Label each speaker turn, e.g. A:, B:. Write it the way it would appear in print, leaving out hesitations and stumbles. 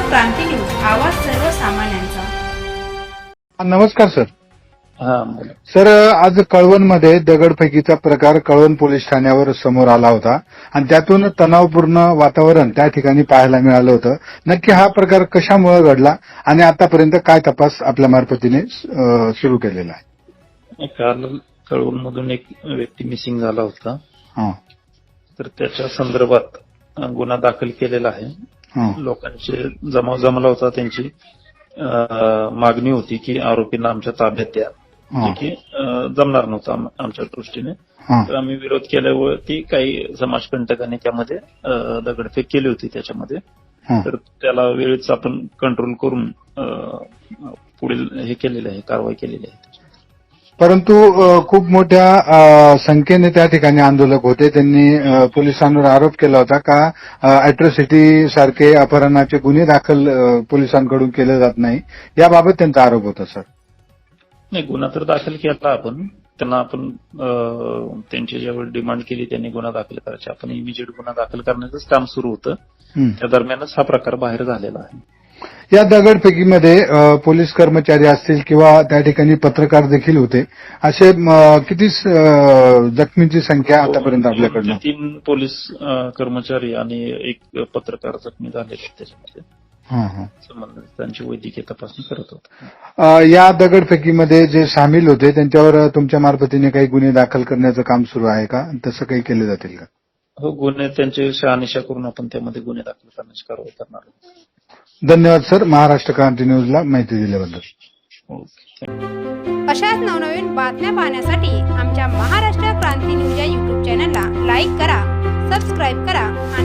A: क्रांती news, आवाज सर्वसामान्यांचा.
B: नमस्कार सर. सर, आज कळवणमध्ये दगडफेकीचा प्रकार कळवण पोलीस ठाण्यावर समोर आला होता आणि त्यातून तणावपूर्ण वातावरण त्या ठिकाणी पाहायला मिळालं होतं. नक्की हा प्रकार कशामुळे घडला आणि आतापर्यंत काय तपास आपल्या मार्फतीने सुरू केलेला आहे?
C: काल कळवणमधून एक व्यक्ती मिसिंग झाला होता. तर त्याच्या संदर्भात गुन्हा दाखल केलेला आहे. लोकांचे जमाव जमला होता. त्यांची मागणी होती की आरोपींना आमच्या ताब्यात द्या, जे की जमणार नव्हतं आमच्या दृष्टीने. तर आम्ही विरोध केल्यावरती काही समाजकंटकांनी त्यामध्ये दगडफेक केली होती त्याच्यामध्ये. तर त्याला वेळेच आपण कंट्रोल करून पुढील हे केलेलं आहे, कारवाई केलेली आहे.
B: परंतु खूप मोठ्या संख्येने त्या ठिकाणी आंदोलक होते. त्यांनी पोलिसांवर आरोप केला होता का अॅट्रॉसिटी सारखे अपहरणाचे गुन्हे दाखल पोलिसांकडून केले जात नाही, याबाबत त्यांचा आरोप होता. सर,
C: नाही, गुन्हा तर दाखल केला आपण. त्यांना आपण त्यांची ज्यावेळी डिमांड केली त्यांनी गुन्हा दाखल करायची, आपण इमिजिएट गुन्हा दाखल करण्याचंच काम सुरू होतं. त्या दरम्यानच हा प्रकार बाहेर झालेला आहे.
B: या दगडफेकीमध्ये पोलीस कर्मचारी असतील किंवा त्या ठिकाणी पत्रकार देखील होते. असे किती जखमींची संख्या आतापर्यंत आपल्याकडनं?
C: 3 पोलीस कर्मचारी आणि एक पत्रकार जखमी झाले त्याच्यामध्ये. संबंधित त्यांची वैद्यकीय तपासणी करत होते.
B: या दगडफेकीमध्ये जे सामील होते त्यांच्यावर तुमच्या मार्फतीने काही गुन्हे दाखल करण्याचं काम सुरू आहे का? तसं काही केले जातील का?
C: हो, गुन्हे त्यांचे शहानिशा करून आपण त्यामध्ये गुन्हे दाखल करण्याची कारवाई करणार आहोत.
B: धन्यवाद सर, महाराष्ट्र क्रांती न्यूजला माहिती दिल्याबद्दल.
A: अशाच नवनवीन बातम्या पाहण्यासाठी आमच्या महाराष्ट्र क्रांती न्यूज या YouTube चॅनलला लाईक करा, सबस्क्राईब करा